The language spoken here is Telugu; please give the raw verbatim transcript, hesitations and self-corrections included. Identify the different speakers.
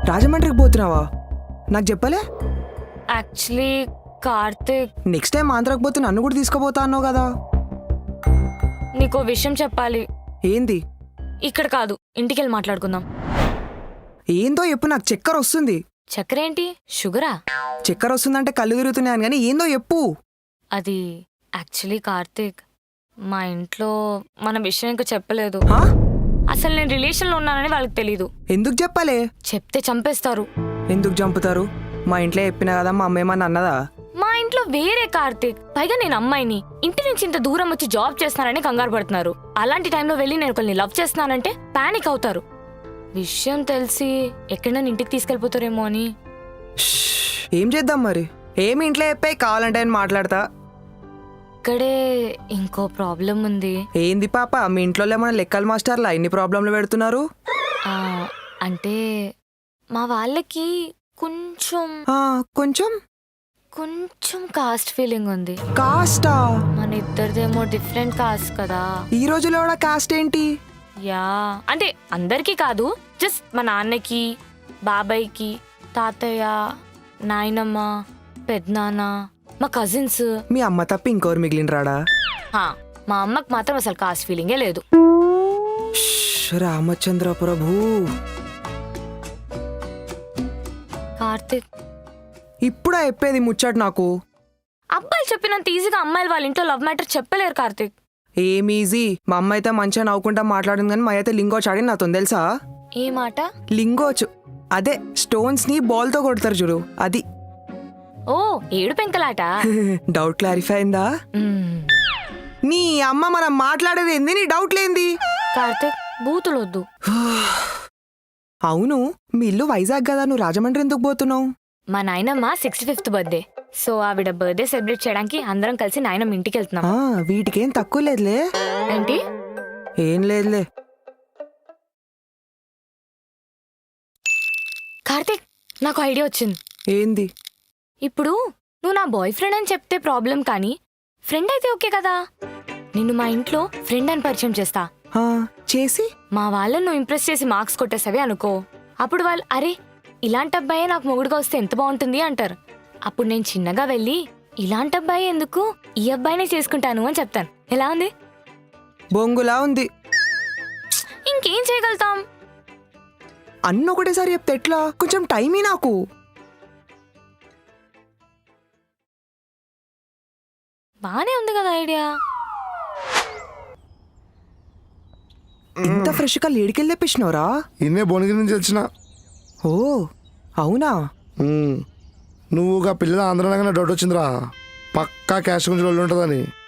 Speaker 1: రాజమండ్రికి పోతున్నావా? నాకు చెప్పలే.
Speaker 2: యాక్చువల్లీ కార్తిక్,
Speaker 1: నెక్స్ట్ టైం ఆంధ్రాకి పోతే నన్ను కూడా తీసుకుపోతా అన్నావు కదా.
Speaker 2: నీకో విషయం చెప్పాలి.
Speaker 1: ఏంది?
Speaker 2: ఇక్కడ కాదు, ఇంటికెళ్ళి మాట్లాడుకుందాం.
Speaker 1: ఏందో చెప్పు, నాకు చక్కెర వస్తుంది.
Speaker 2: చక్కెర ఏంటి? షుగరా?
Speaker 1: చక్కెర వస్తుందంటే కళ్ళు తిరుగుతున్నాయని, కానీ ఏందో చెప్పు.
Speaker 2: అది యాక్చువల్లీ కార్తిక్, మా ఇంట్లో మన విషయం ఇంకా చెప్పలేదు.
Speaker 1: హా?
Speaker 2: అసలు నేను రిలేషన్లో ఉన్నానని వాళ్ళకి తెలీదు.
Speaker 1: ఎందుకు చెప్పాలే?
Speaker 2: చెప్తే చంపేస్తారు.
Speaker 1: ఎందుకు చంపుతారు? మా ఇంట్లో చెప్పినా కదా, మా అమ్మ ఏమన్నా అన్నదా?
Speaker 2: మా ఇంట్లో వేరే కార్తిక్, పైగా నేను అమ్మాయిని, ఇంటి నుంచి ఇంత దూరం వచ్చి జాబ్ చేస్తున్నానని కంగారు పడుతున్నారు. అలాంటి టైంలో వెళ్ళి నేను ఒకరిని లవ్ చేస్తున్నానంటే పానిక్ అవుతారు. విషయం తెలిసి ఎక్కడైనా ఇంటికి తీసుకెళ్ళిపోతారేమో అని.
Speaker 1: షష్, ఏం చేద్దాం మరి? ఏమి ఇంట్లో చెప్పాయి, కావాలంటే నేను మాట్లాడతా.
Speaker 2: ఇక్కడే ఇంకో ప్రాబ్లం ఉంది.
Speaker 1: ఏంది పాప, మీ ఇంట్లో ఏమన్నా లెక్కల మాస్టర్లా ఇన్ని ప్రాబ్లంలు పెడుతున్నారు?
Speaker 2: ఆ, అంటే మా వాళ్ళకి కొంచెం
Speaker 1: ఆ, కొంచెం
Speaker 2: కొంచెం కాస్ట్ ఫీలింగ్ ఉంది.
Speaker 1: కాస్టా?
Speaker 2: మన ఇద్దరిదేమో డిఫరెంట్ కాస్ట్ కదా.
Speaker 1: ఈ రోజులో కూడా కాస్ట్ ఏంటి?
Speaker 2: యా, అంటే అందరికీ కాదు, జస్ట్ మా నాన్నకి, బాబాయ్కి, తాతయ్య, నాయనమ్మ, పెద్దనాన్న, మా కజిన్స్.
Speaker 1: మీ అమ్మ తప్ప ఇంకోరు మిగిలిన రాడా?
Speaker 2: మా అమ్మకి మాత్రం అసలు కాస్ట్ ఫీలింగే లేదు.
Speaker 1: షష్, రామచంద్ర ప్రభు.
Speaker 2: కార్తిక్,
Speaker 1: ఇప్పుడా చెప్పేది ముచ్చట నాకు?
Speaker 2: అబ్బాయిలు చెప్పినంత ఈజీగా అమ్మాయిలు వాళ్ళ ఇంట్లో లవ్ మ్యాటర్ చెప్పలేరు కార్తిక్.
Speaker 1: ఏం ఈజీ? మా అమ్మ అయితే మంచిగా నవ్వుకుంటా మాట్లాడింది, కానీ మా అయితే లింగోచ్ ఆడి నాతో తెలుసా?
Speaker 2: ఏ మాట?
Speaker 1: లింగోచ్ అదే స్టోన్స్ ని బాల్ తో కొడతారు చూడు, అది.
Speaker 2: ఓ, ఏడు పెంకలాట.
Speaker 1: డౌట్ క్లారిఫై అయిందా?
Speaker 2: మ్మ్.
Speaker 1: నీ అమ్మ మనం మాట్లాడేది ఏంది? నీ డౌట్ లేంది?
Speaker 2: కార్తిక్, బూతులొద్దు.
Speaker 1: అవును, మీ ఇల్లు వైజాగ్ కదా, నువ్వు రాజమండ్రి ఎందుకు పోతున్నావు?
Speaker 2: మా నాయనమ్మ సిక్స్టీ ఫిఫ్త్ బర్త్డే, సో ఆవిడ బర్త్డే సెలబ్రేట్ చేయడానికి అందరం కలిసి నాయనమ్మ ఇంటికి వెళ్తున్నాం.
Speaker 1: ఆ, వీటికేం తక్కువ లేదులే.
Speaker 2: ఏంటి?
Speaker 1: ఏం లేదులే.
Speaker 2: కార్తిక్, నాకు ఐడియా వచ్చింది.
Speaker 1: ఏంది?
Speaker 2: ఇప్పుడు నువ్వు నా బాయ్ ఫ్రెండ్ అని చెప్తే ప్రాబ్లం, కానీ ఫ్రెండ్ అయితే ఓకే కదా. నిన్ను మా ఇంట్లో ఫ్రెండ్ అని పరిచయం చేస్తా.
Speaker 1: ఆ, చేసి
Speaker 2: మా వాళ్ళని నువ్వు ఇంప్రెస్ చేసి మార్క్స్ కొట్టేసావే అనుకో, అప్పుడు వాళ్ళు అరే ఇలాంటి అబ్బాయే నాకు మొగుడుగా వస్తే ఎంత బాగుంటుంది అంటారు. అప్పుడు నేను చిన్నగా వెళ్ళి ఇలాంటి అబ్బాయి ఎందుకు, ఈ అబ్బాయినే చేసుకుంటాను అని చెప్తాను. ఎలా ఉంది?
Speaker 1: బొంగులా ఉంది.
Speaker 2: ఇంకేం చేయగలుగుతాం?
Speaker 1: అన్న ఒకటేసారి చెప్తే ఎట్లా? కొంచెం టైమీ నాకు.
Speaker 2: బానే ఉంది కదా ఐడియా.
Speaker 1: ఇంత ఫ్రెష్ గా లేడికెళ్ళి తెప్పించినవరా?
Speaker 3: ఇన్నే భువనగిరి నుంచి వచ్చిన.
Speaker 1: ఓ అవునా?
Speaker 3: నువ్వు పిల్లల ఆంధ్రనగానే డౌట్ వచ్చిందిరా, పక్కా క్యాష్ గురించి వాళ్ళు ఉంటుందని.